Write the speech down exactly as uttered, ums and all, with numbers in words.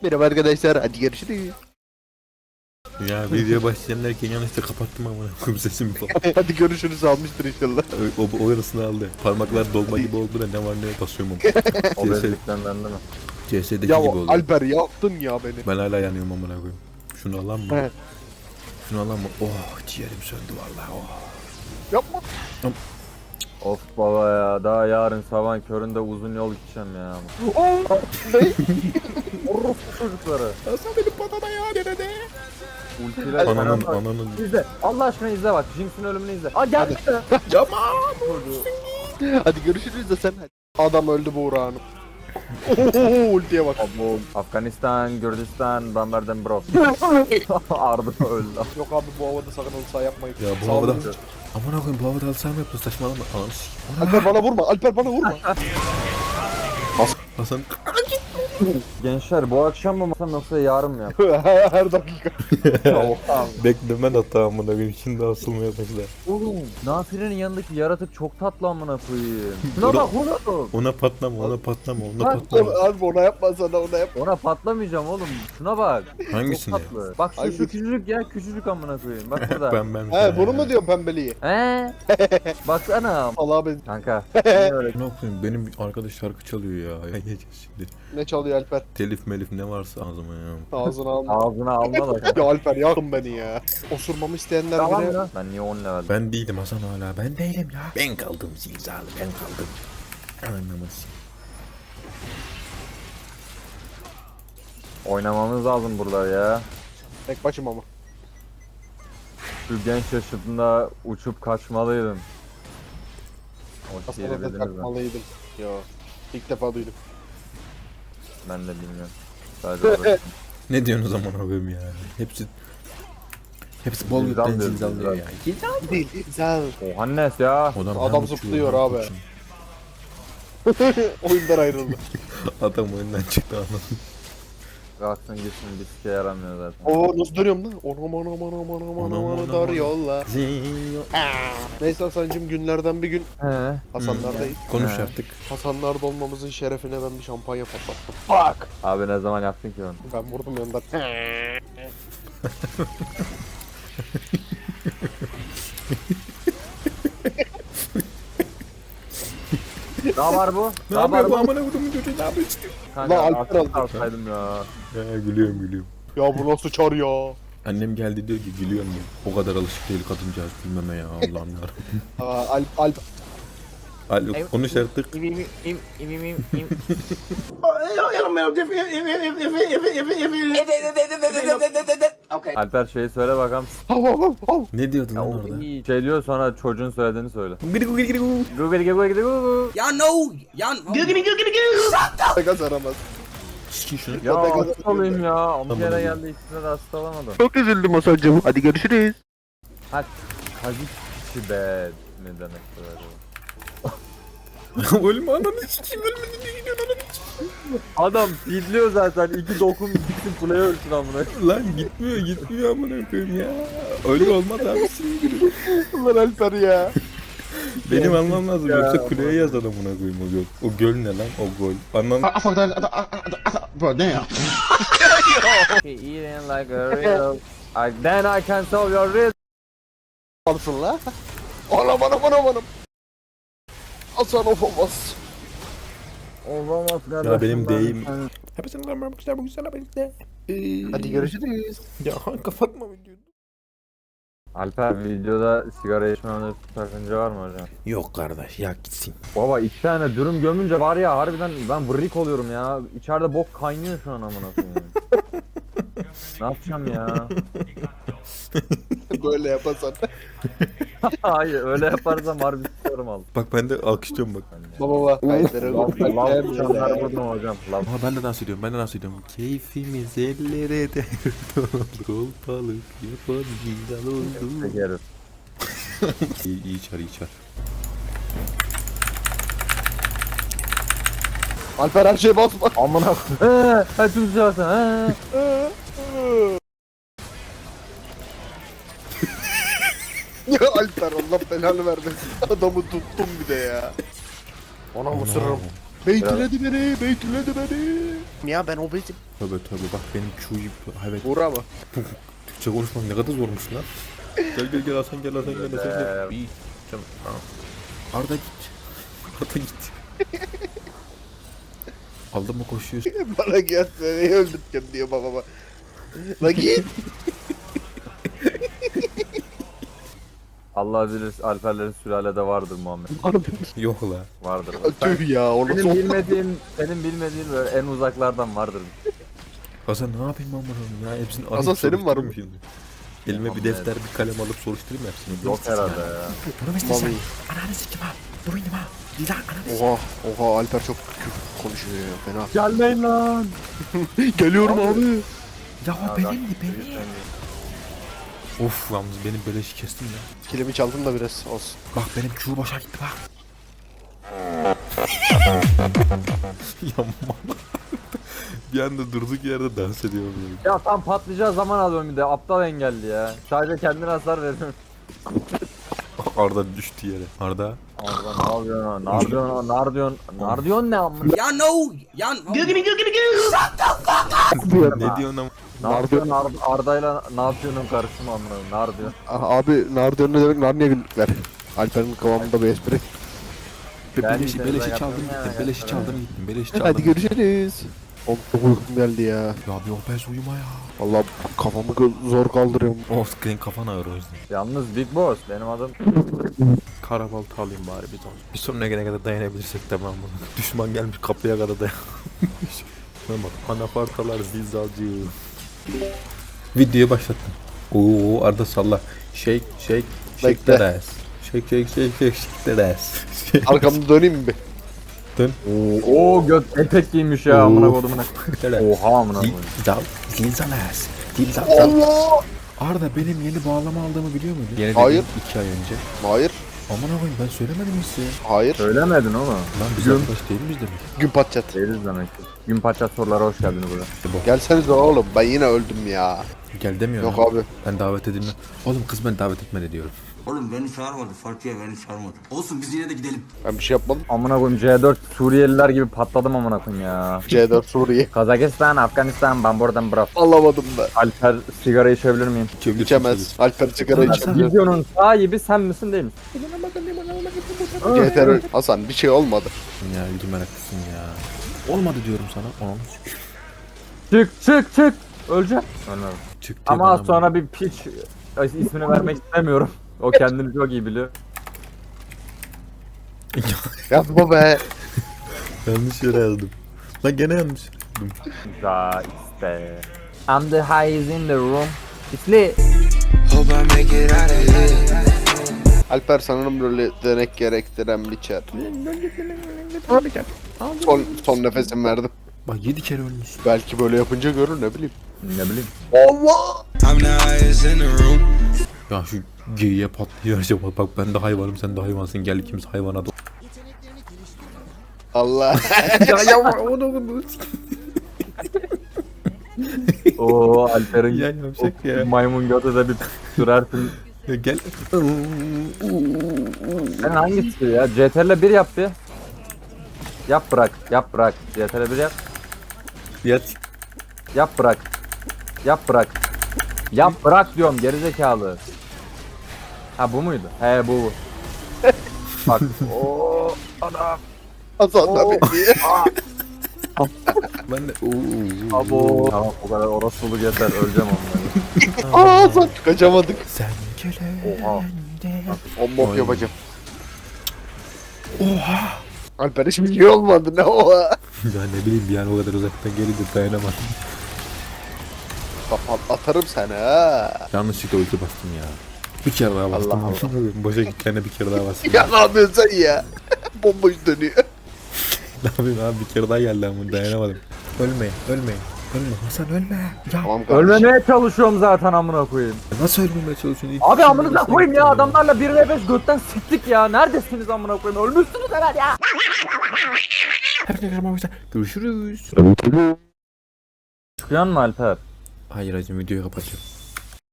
Merhaba arkadaşlar, hadi görüşürüz. Ya video başlayanlarken yanlışlıkla kapattım ama kum sesimi falan. Hadi görüşürüz almıştır inşallah. O, o, o yarısını aldı. Parmaklar dolma gibi oldu da ne var ne yok basıyorum O onu. bezlikten bende mi? C S'deki Ya gibi oldu. Alper yaktın ya beni. Ben hala yanıyorum amına koyayım. Şunu alan mı? He. Şunu alan mı? Oh ciğerim söndü vallahi oh. Yapma. Of baba ya, daha yarın sabah köründe uzun yol gideceğim ya. Oo, ne? Orospu çocukları. Nasıl benim patama ya nerede? Ultiler Ananın falan. ananın. İzle. Allah aşkına izle bak. Jinx'in ölümünü izle. Aa geldi. Yapma. Hadi görüşürüz de sen hadi. Adam öldü Buğra Hanım. Ohohoho, ultiye bak. Abo, Afganistan, Gürcistan, Bamberden bro. Arda öldü. Yok abi bu havada sakın halı saha yapmayın. Ya bu Sağ havada. olun. Amına koyayım bu havada alsam yaptın saçmalama. Ananı sikeyim. Alper bana vurma, Alper bana vurma. Hasan. Gençler bu akşam mı masam yoksa yarın mı ya? Her dakika. Oha. Beklemen hatta amına koyayım şimdi asılmaya başlar. Oğlum Nafire'nin yanındaki yaratık çok tatlı amına koyayım. Şuna bak oğlum. Ona patlama ona patlama ona Bak, patlama. Abi ona yapma sana ona yap. Ona patlamayacağım oğlum. Şuna bak. Hangisine? Çok tatlı. Bak şu, şu Hangisi? küçücük ya küçücük amına koyayım. Bak burada. Ben ben. He bunu mu diyorsun pembeliği? He? Baksana. Allah ben. Kanka. Niye öyle? Ne yapayım benim bir arkadaş şarkı çalıyor ya. Ya yiyeceğiz şimdi. Ne çalıyor Alper? Telif melif ne varsa ağzıma ya. Ağzına alma. Ağzına alma da. Ya Alper yakın beni ya. Osurmamı isteyenler Tamam bile. ya. Ben niye on level? Ben değilim Hasan hala ben değilim ya. Ben kaldım zilzalı ben kaldım. Anlamaz. Oynamamız lazım burada ya. Tek başım ama. Şu genç yaşımda uçup kaçmalıydım. O şiiri Aslında da bildiniz mi? takmalıydım. Yo. İlk defa duydum. Ben de bilmiyorum. Sadece orası. Ne diyorsun o zaman abim ya? Hepsi Hepsi bol Zilzal gökten diyor, zilzallıyor ya. Değil, güzel. O Hannes ya. Adam, Adam hem uçuyor, zıplıyor hem abi. uçuyor. Oyundan ayrıldı. Adam oyundan çıktı anam. Kalksın gitsin bir sike yaramıyor zaten. Oo nasıl dönüyorum lan? Onam onam onam onam onam Onam, onam onam, dar onam. yolla. Neyse Hasan'cım günlerden bir gün He. Hasanlardayız. Konuş He. artık. Hasanlarda olmamızın şerefine ben bir şampanya patlattım. Fuck! Abi ne zaman yaptın ki onu? Ben vurdum yandan. Ne var bu? Ne var yapıyor bu bu? amına kodumun çocuğu ne yapıyor istiyor? Kanka Lan Alper Alper aldı. alsaydım ya. Ya gülüyorum gülüyorum. Ya bu nasıl çar ya? Annem geldi diyor ki gülüyorum ya. O kadar alışık değil kadıncağız gülmeme ya Allah'ım yarabbim. Aa, Alp, Alp. Alo konuş artık. İm im im im im im im. Alper şeyi söyle bakalım. Hav hav hav hav. Ne diyordun Ya lan o orada? iyi. Şey diyor sonra çocuğun söylediğini söyle. Gıdı gıdı gıdı gıdı. Google Google Google. Y'all know, y'all. Pegas aramaz. Sikin şunu. Ya Zaten gazete hasta olayım ya. Bir Tamam, kere hadi. geldi ikisine de hasta olamadım. Çok üzüldüm Hasan'cım. Hadi görüşürüz. Ha kazık içi be. Ne demek böyle? Ölme ananı sikeyim ölmedi ne gidiyorsun ananı sikeyim. Adam fidliyor zaten. İki dokun gitsin kuleye ölsün amına. Lan gitmiyor gitmiyor amına koyayım ya. Öyle olmaz abi sinir. Ulan Alper ya. Benim almam lazım Ya, yoksa kuleye yaz adamına koyayım o göl. O göl ne lan o gol. Anlam. Bro, damn. Eating like a real. I, then I can solve your riddle. Alsın la. Anam anam anam anam. Hasan of olmaz. Olamaz kardeşim. Ya benim ben- deyim. ben- Hepsini lan ben güzel bu güzel birlikte. Hadi görüşürüz. Ya kapatma videoyu. Alper videoda sigara içmemde sakınca var mı hocam? Yok kardeş ya gitsin. Baba iki tane dürüm gömünce var ya harbiden ben vırrik oluyorum ya. İçeride bok kaynıyor şu an amına koyayım. Ne yapacağım ya? Böyle yapasan. Hayır öyle yaparsam harbi sıkarım al. Bak ben de alkışlıyorum bak. Baba baba. Kayıtları. Lav lav uçanlar vurdum hocam. Lav. Ama ben de dans ediyorum ben de dans ediyorum. Keyfimiz ellere de kol balık yapan güzel oldu. Çekeriz. İyi, iyi çar iyi çar. Alper her şeye basma. Amına koyayım. Eee, hadi tüm sıçarsan. Ya Alper Allah belanı vermesin. Adamı tuttum bir de ya. Ona mısırım. Beytüledi beni, beytüledi beni. Ya ben obezim. Tövbe tövbe bak benim Q'yu evet. Buğra mı? Türkçe konuşmak ne kadar zormuş lan. Gel gel gel Hasan gel Hasan gel Hasan gel. İyi. Tamam. Arda git. Arda git. Aldın mı koşuyorsun? Bana gel beni öldürteceğim diyor babama. La git. Allah bilir Alperlerin sülalede vardır Muhammed. Yok la. Vardır. Tüh ya onu Senin son. bilmediğin, senin bilmediğin böyle en uzaklardan vardır. Hasan ne yapayım ben bunu ya hepsini Hasan, arayıp senin var mı? soruşturayım şimdi. Elime bir defter bir kalem alıp soruşturayım hepsini. Yok herhalde ya. Bunu Vallahi. Ananı sikim ha. Bu benim ha. Dila ananı Oha, oha Alper çok küfür konuşuyor ya fena. Gelmeyin lan. Geliyorum abi. Ya o benim de benim. Of yalnız benim beleşi kestim ya. Kilimi çaldın da biraz olsun. Bak benim Q boşa gitti bak. Yanma. Bir anda durduk yerde dans ediyorum. Böyle. Ya tam patlayacağı zaman alıyorum bir de aptal engelli ya. Sadece kendine hasar veriyorum. Arda düştü yere. Arda. Arda ne yapıyorsun? Ne yapıyorsun? Ne yapıyorsun? Ne yapıyorsun ne amına? Y'all know. Y'all. Googity googity goo. Ne diyorsun ama? Ne yapıyorsun Arda, Arda'yla ne yapıyorsun karışma amına? Ne yapıyorsun? Ah, abi Nardiyon ne demek? Narniye günlükler. Alper'in kıvamında bir espri. Be Ben beleşi de beleşi zaten çaldım ya, gittim. Beleşi ya. çaldım gittim. Beleşi çaldım. Hadi görüşürüz. Oğlum çok uykum geldi ya. Ya bir obez uyuma ya. Vallahi kafamı gö- zor kaldırıyorum. Oh senin kafan ağır o yüzden. Yalnız Big Boss benim adım. Karabaltı alayım bari bir tane. Bir sonuna gene kadar dayanabilirsek tamam bunu. Düşman gelmiş kapıya kadar dayanmış. Şuna bak anafartalar zilzalcı. Videoyu başlattım. Oo Arda salla. Shake shake shake Bekle. that ass. Shake shake shake shake shake that ass. Arkamda döneyim mi bir? Dön. Oo göt etek giymiş ya amına kodumuna. Oha amına koyayım. Zilzal. Zilzal ass. Zilzal. Allah. Arda benim yeni bağlama aldığımı biliyor muydun? Yeni Hayır. dedim, iki ay önce. Hayır. Aman koyayım ben söylemedim mi size? Hayır. Söylemedin oğlum. Lan biz Gün. arkadaş değil miyiz demek? Gün patçat. Değiliz demek ki. Gün paçat sorulara hoş geldiniz burada. Gelsenize oğlum ben yine öldüm ya. Gel demiyor Yok ya. abi. Ben davet edilme. Oğlum kız beni davet etmedi diyorum. Oğlum beni çağırmadı. Farkıya beni çağırmadı. Olsun biz yine de gidelim. Ben bir şey yapmadım. Amına koyayım C dört Suriyeliler gibi patladım amına koyayım ya. C dört Suriye. Kazakistan, Afganistan, ben buradan bırak. Alamadım ben. Alper sigara içebilir miyim? İçemez. Alper sigara içemiyor. Videonun sahibi sen misin değil misin? C T R Hasan bir şey olmadı. Ya ilgi meraklısın ya. Olmadı diyorum sana. Anam Çık çık çık. Öleceğim. Ölmedim. çıktı. Ama az sonra bir piç ismini vermek istemiyorum. O kendini çok iyi biliyor. Yapma be. yanlış yere yazdım. Lan gene yanlış. Ya işte. I'm the highest in the room. İsli. Alper sanırım böyle denek gerektiren bir çer. Son, son nefesim verdim. Bak yedi kere ölmüş. Belki böyle yapınca görür ne bileyim. Ne bileyim. Allah! Ya şu geyiğe patlıyor acaba. Bak ben de hayvanım sen de hayvansın. Gel ikimiz hayvana da. Allah! ya ya onu bunu. Oo Alper'in Ya yavşak o ya. maymun götü de bir sürersin. Ya gel. Sen hangisi ya? C T R L bir yap bir. Yap bırak. Yap bırak. C T R L bir yap. Yat. Yap bırak. Yap bırak. Yap bırak diyorum gerizekalı. Ha bu muydu? He bu. bu. Bak. Oo adam. Hasan da bitti. Ben de. Oo. Abo. Tamam o kadar orospuluk yeter. Öleceğim onları. Aa Hasan kaçamadık. Sen gele. Oha. On bok Ay. yapacağım. Oha! Alper hiçbir şey olmadı ne oha? Ya ne bileyim bir an o kadar uzaktan gelince dayanamadım. Kapat atarım seni ha. Yanlışlıkla ulti bastım ya. Bir kere daha bastım. Allah Allah. Boşa gittiğine bir kere daha bastım. Ya ne yapıyorsun sen ya? Bomboş dönüyor. Ne yapayım abi bir kere daha geldi ama dayanamadım. Ölmeyin, ölmeyin. Ölme Hasan ölme. Ya Tamam kardeşim. Ölmemeye çalışıyorum zaten amına koyayım. nasıl ölmemeye çalışıyorsun? İlk Abi kişi amınıza ölmesine koyayım ya gittim adamlarla bir ve beş götten siktik ya. Neredesiniz amına koyayım? Ölmüşsünüz herhalde ya. Herkese görüşürüz. Çıkıyor mu Alper? Hayır hacım videoyu kapatacağım.